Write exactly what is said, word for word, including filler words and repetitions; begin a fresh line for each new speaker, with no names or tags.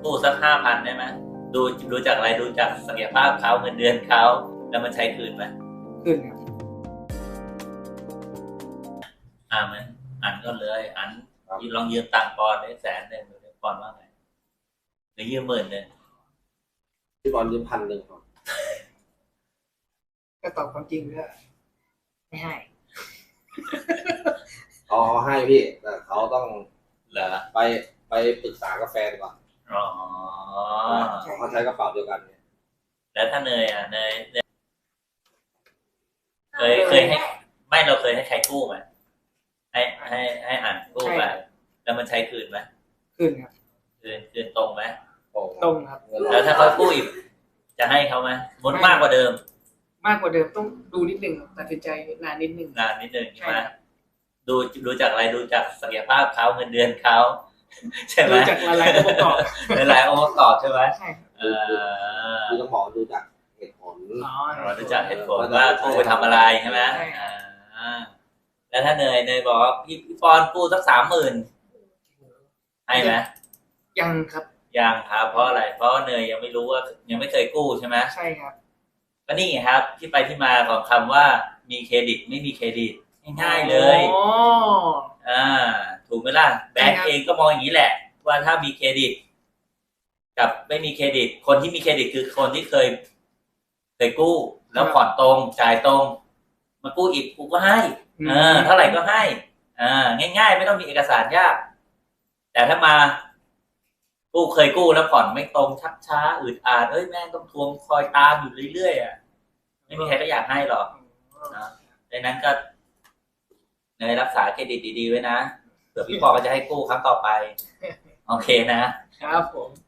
กู้สักห้าพันได้ไหมดูดูจากอะไรดูจากศักยภาพเขาเงินเดือนเขาแล้วมันใช้คืนไหม
ขึ้นครับ
อ่าไหมอันก็เลยอันลองยืมตังค์ปอนได้แสนหนึ่งหรือปอนว่าไงหรือยืมหมื่นหนึ่ง
พี่บอลยืมพันหนึ่งครับ
ก็ตอบความจริงก็ไม่ให้
อ๋อให้พี่แต่เขาต้อง
เหรอ
ไปไปปรึกษากับแฟนก่อน
อ๋อ
เขาใช้กระเป๋าเดียวกันเนี่ย
แล้วถ้าเนยอ่ะเนยเคยเคยให้ไม่เราเคยให้ใครกู้ไหมให้ให้ให้อ่านกู้ไปแล้วมันใช้คืนไหม
ขึ้นครับ
คืนคืนตรงไหม
ตรงครับ
แล้วถ้าเขากู้อีกจะให้เขาไหมมดมากกว่าเดิม
มากกว่าเดิมต้องดูนิดนึงตัดสินใจนานนิดนึง
นานนิดนึงใช่ไหมดูดูจากอะไรดูจากศักยภาพเขาเงินเดือนเขาใช่ไหม
ดูจากหลายองค์ประกอบ
หลายองค์ประกอบใช่ไหม
ใช่
เออ
ดูต้องบอกดูจากเหตุผล
อ๋อดูจากเหตุผลว่ากู้ไปทำอะไรใช่ไหมอ่าแล้วถ้าเนยเนยบอกว่าพี่พี่ปอนกู้สักสามหมื่นให้ไหม
ยังครับ
ยังครับเพราะอะไรเพราะเนยยังไม่รู้ว่ายังไม่เคยกู้ใช่ไหม
ใช่ครับ
ก็นี่ครับที่ไปที่มาของคำว่ามีเครดิตไม่มีเครดิตง่ายๆเลย
อ๋อ
อ่าถูกไหมล่ะแบงก์เองก็มองอย่างนี้แหละว่าถ้ามีเครดิตกับไม่มีเครดิตคนที่มีเครดิตคือคนที่เคยเคยกู้แล้วผ่อนตรงจ่ายตรงมากู้อีกกูก็ให้เออเท่าไหร่ก็ให้อ่าง่ายๆไม่ต้องมีเอกสารยากแต่ถ้ามากู้เคยกู้แล้วผ่อนไม่ตรงชักช้าอืดอาดเอ้ยแม่งต้องทวงคอยตามอยู่เรื่อยๆอ่ะไม่มีใครก็อยากให้หรอกนะดังนั้นก็เนยรักษาเครดิตดีๆไว้นะเผื่อพี่ปอก็จะให้กู้ครั้งต่อไปโอเคนะครับ
ผม